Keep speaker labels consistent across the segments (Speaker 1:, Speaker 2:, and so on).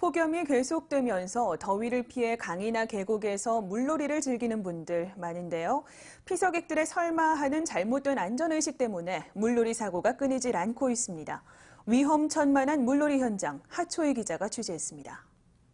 Speaker 1: 폭염이 계속되면서 더위를 피해 강이나 계곡에서 물놀이를 즐기는 분들 많은데요. 피서객들의 설마하는 잘못된 안전의식 때문에 물놀이 사고가 끊이질 않고 있습니다. 위험천만한 물놀이 현장, 하초희 기자가 취재했습니다.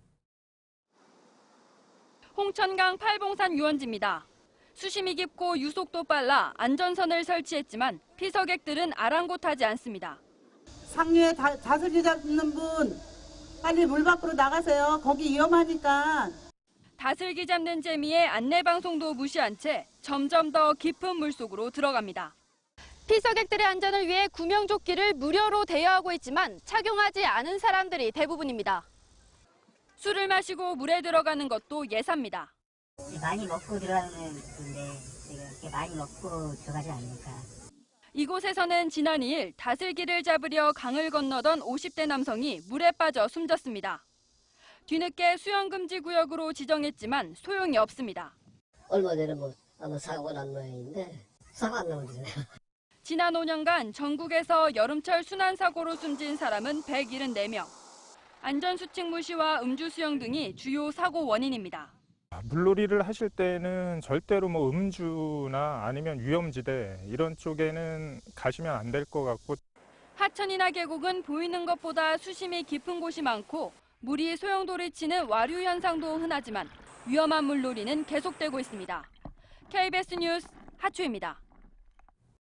Speaker 2: 홍천강 팔봉산 유원지입니다. 수심이 깊고 유속도 빨라 안전선을 설치했지만 피서객들은 아랑곳하지 않습니다.
Speaker 3: 상류에 다슬기 잡는 분 빨리 물 밖으로 나가세요. 거기 위험하니까.
Speaker 2: 다슬기 잡는 재미에 안내방송도 무시한 채 점점 더 깊은 물속으로 들어갑니다. 피서객들의 안전을 위해 구명조끼를 무료로 대여하고 있지만 착용하지 않은 사람들이 대부분입니다. 술을 마시고 물에 들어가는 것도 예사입니다.
Speaker 4: 많이 먹고 들어가는 건데 제가 이렇게 많이 먹고 들어가지 않으니까.
Speaker 2: 이곳에서는 지난 2일 다슬기를 잡으려 강을 건너던 50대 남성이 물에 빠져 숨졌습니다. 뒤늦게 수영금지 구역으로 지정했지만 소용이 없습니다.
Speaker 5: 얼마 전에 아마 사고가 난 모양인데 사고 안 나오잖아요.
Speaker 2: 지난 5년간 전국에서 여름철 순환사고로 숨진 사람은 174명. 안전수칙 무시와 음주 수영 등이 주요 사고 원인입니다.
Speaker 6: 물놀이를 하실 때는 절대로 음주나 아니면 위험지대 이런 쪽에는 가시면 안 될 것 같고.
Speaker 2: 하천이나 계곡은 보이는 것보다 수심이 깊은 곳이 많고 물이 소용돌이 치는 와류 현상도 흔하지만 위험한 물놀이는 계속되고 있습니다. KBS 뉴스 하초희입니다.